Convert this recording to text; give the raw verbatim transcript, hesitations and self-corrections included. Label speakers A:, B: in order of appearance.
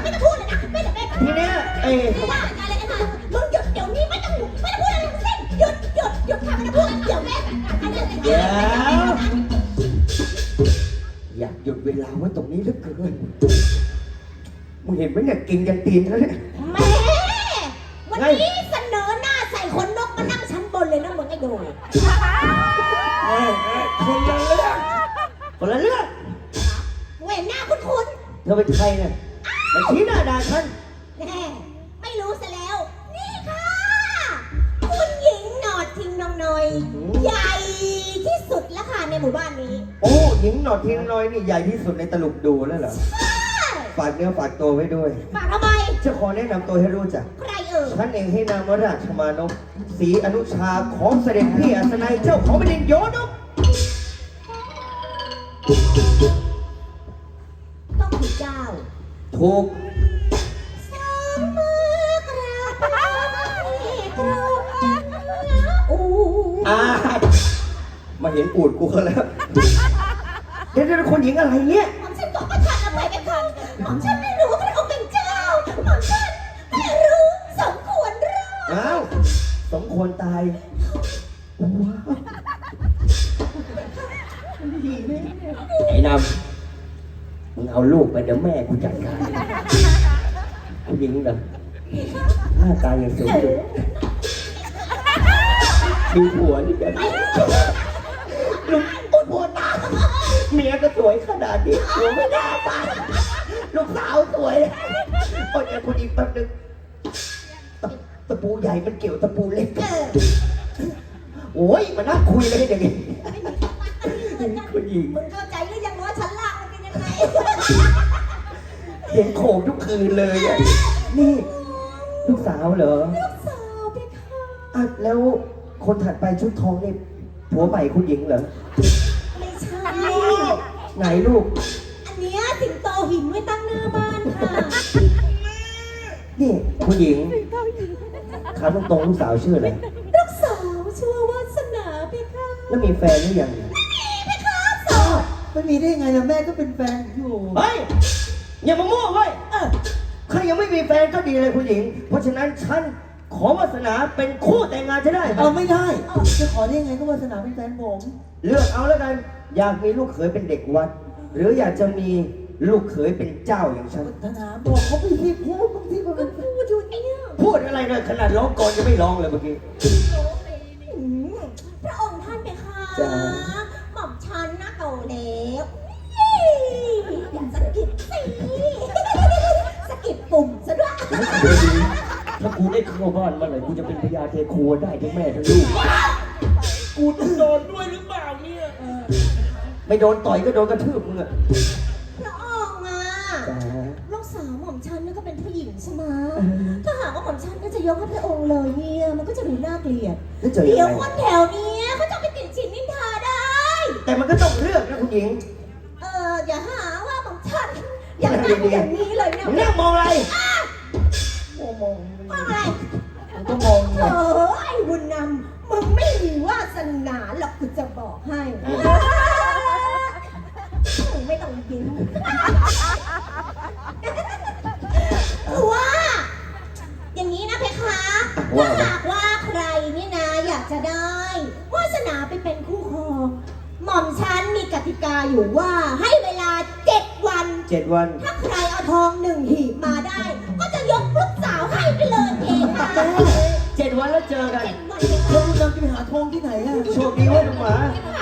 A: ไม่ต้องพูดเลยนะไม่ต้องไม่ต้อง
B: ทีเนี้ยเอ้ย
A: ว่าอะไรกันนะมึงหยุดเดี๋ยวนี้ไม่ต้องไม่ต้องพูดอะไรทั้งสิ้นหยุดหยุดหยุดค่ะไม่ต้องพูดเดี๋ยวแม่จัดการให้เลย
B: เดี๋ยวอยากหยุดเวลาไว้ตรงนี้เหลือเกินมึงเห็นไหมเนี่ยกินยันตีนแล้วเนี่ย
A: แม่วันนี้เสนอหน้าใส่ขนนกมานั่งชั้นบนเลยนะมึงไอ้โดย
B: เอ้ยเอ้ยคนละเรื่องคนละเรื่อง
A: เว้นหน้าคุ้น
B: เธอเป็นใครเนี่ยมาชี้หน้าด่าฉัน
A: ๆแน่ไม่รู้ซะแล้วนี่ค่ะคุณหญิงหนอดทิ้งน้องน้อยใหญ่ที่สุดแล้วค่ะในหมู่บ้านนี้
B: โอ้หญิงหนอดทิ้งน้อยนี่ใหญ่ที่สุดในตลุกดูแล้วเหรอฝากเนื้อฝากตัวไว้ด้วย
A: ฝากทำไม
B: จะขอแนะนำตัวให้รู้จัก
A: ใครเอ่ย
B: ฉันเองให้นามว่าราชมานพศรีอนุชาของเสด็จพี่อัศนัยเจ้าของแผ่นดินโยนก
A: ต้องคือเจ้า
B: ถูก
A: สองมือกราบไหว้กราบอู้
B: อ่ามาเห็นปูดกูเขาแล้วเดี๋ยวเดี๋ยวคนหญิงอะไรเนี่ย
A: หม่อมฉันก็ประทานอภัยกันค่ะหม่อมฉันไม่รู้ว่าพระองค์เป็นเจ้าหม่อมฉันไม่รู้สมควรรอด
B: อ้าวสมควรตายไอ้นำมึงเอาลูกไปเดี๋ยวแม่กูจัดการผู้หญิงเหรอหน้าตายังสวยอยู่ดูผัวนี่กันลูกอุ๊ยผัวตาเมียก็สวยขนาดนี้ผัวไม่น่าตายลูกสาวสวยโอ้ยคุณอีกแป๊บนึงตะตะปูใหญ่มันเกี่ยวตะปูเล็ก
A: เออ
B: โอ้ยมานั่งคุยเลยอย่างนี้คุณหญิง
A: มึงเข้าใจหรือยังว่าชั้นล่างมันเป็นยังไง
B: เสียงโขกทุกคืนเลยอ่ะนี่ลูกสาวเหรอ
A: ลูกสาวเพคะ
B: อ่ะแล้วคนถัดไปชุดทองนี่ผัวใหม่คุณหญิงเหรอ
A: ไม่ใช่
B: ไหนลูก
A: อันเนี้ยสิงโตหินไว้ตั้งหน้าบ้านค่ะ
B: นี่คุณหญิงถามตรงๆลูกสาวชื่ออะไร
A: ลูกสาวชื่อว่าวาสนาเพคะ
B: แล้วมีแฟนหรือยัง
A: เพคะสาว
C: ไม่มีได้ไงล่ะแม่ก็เป็นแฟนอยู่
B: เฮ้ยอย่ามามั่วเว้ย
A: เออ
B: ใครยังไม่มีแฟนก็ดีเลยคุณหญิง เพราะฉะนั้นฉันขอวาสนาเป็นคู่แต่งงานจะได้ไหม
C: เอาไม่ได้จะขอได้ยังไงก็วาสนาเป็นแฟนผม
B: เลือกเอาแล้วกัน อยากมีลูกเขยเป็นเด็กวัด หรืออยากจะมีลูกเขยเป็นเจ้าอย่างฉัน
C: ธนาบอกเขาไปที่พูดบางทีก็เป็น
A: พูดอยู่เนี่ย
B: พูดอะไรเลยขนาดร้องก่อนยังไม่ร้องเลยเมื่อกี้
A: อืมพระองค์ท่านเพคะ
B: จ้า
A: หม่อมฉันนะโตแล้วอยากสะกิดสิสะกิดปุ่มซะด้วย
B: ถ้ากูได้เข้าบ้านเมื่อไหร่กูจะเป็นพญาเทครัวได้ทั้งแม่ทั้งลูก
D: กูต้องโดนด้วยหรือเปล่าเนี่ย
B: ไม่โดนต่อยก็โดนกระทืบมึงอะ
A: พระองค์อ่ะ
B: จ้า
A: ลูกสาวหม่อมฉันนี่ก็เป็นผู้หญิงใช่ไหมถ้าหากว่าหม่อมฉันก็จะยกให้พระองค์เลยเนี่ยมันก็จะดูน่าเกลียด
B: แล้วเจอ
A: เดี๋
B: ยั
A: ยว
B: ง
A: ค
B: ไง
A: นแถวเนี้ยเขาจะไปติดฉินนินทาได้
B: แต่มันก็ต้องเลือกนะคุณหญิง
A: เอออย่าหาว่าหม่อมฉันอย่างนั้นอย่างนี้เลยเนี่ย
B: มึงนั่งมองอะไร
C: โอ้มอง
A: ว่าอะไร
C: มันก็มอง
A: เออไอ้บุญนำมึงไม่มีวาสนาหรอกกูจะบอกให้มึงไม่ต้องยิ้มคือว่า อย่างนี้นะเพคะถ้าหากว่าใครนี่นะอยากจะได้วาสนาไปเป็นคู่ครองหม่อมฉันมีกติกาอยู่ว่าให้เวลาเจ็ดวัน
B: เจ็ดวัน
A: ถ้าใครเอาทองหนึ่งหีบมาได้ ก็จะยกลูกสาวให้ไปเลยเองค่ะ
B: เจ็ดวันแล้วเจอกัน
A: เจ็ดวันเลย
C: แล้ว
A: ค่ะ
C: คุณนำจะไปหาทองที่ไหนอ่ะ
B: โชคดีเว้ยลุงหมา
A: หา